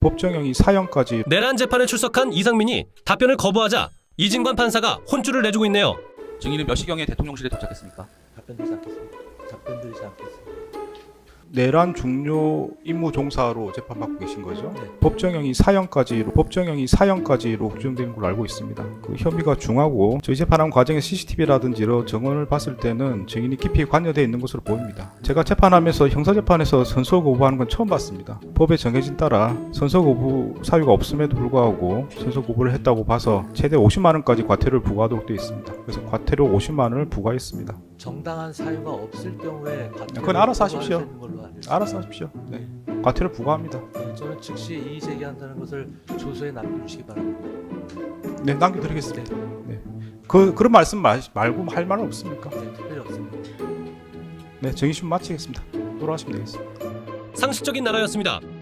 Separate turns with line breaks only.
법정형이 사형까지.
내란 재판에 출석한 이상민이 답변을 거부하자 이진관 판사가 혼쭐을 내주고 있네요.
증인은 몇 시경에 대통령실에 도착했습니까?
답변드리지 않겠습니다. 답변드리지 않겠습니다.
내란 중요 임무 종사로 재판받고 계신 거죠.
네.
법정형이 사형까지로 규정되는 걸로 알고 있습니다. 그 혐의가 중하고 저희 재판하는 과정의 CCTV라든지 여러 정황을 봤을 때는 증인이 깊이 관여되어 있는 것으로 보입니다. 제가 재판하면서 형사재판에서 선서 거부하는 건 처음 봤습니다. 법에 정해진 따라 선서 거부 사유가 없음에도 불구하고 선서 거부를 했다고 봐서 최대 50만 원까지 과태료를 부과하도록 되어 있습니다. 그래서 과태료 50만 원을 부과했습니다.
정당한 사유가 없을 경우에
그건 알아서 하십시오.
부과하시는 걸로 알고 있습니다.
알아서 하십시오. 네. 과태료 부과합니다.
네, 저는 즉시 이의 제기한다는 것을 조서에 남겨주시기 바랍니다.
네, 남겨드리겠습니다. 네. 그런 말씀 말고 할 말은 없습니까?
네, 특별히 없습니다.
네, 정의심 마치겠습니다. 돌아가시면 되겠습니다.
상식적인 나라였습니다.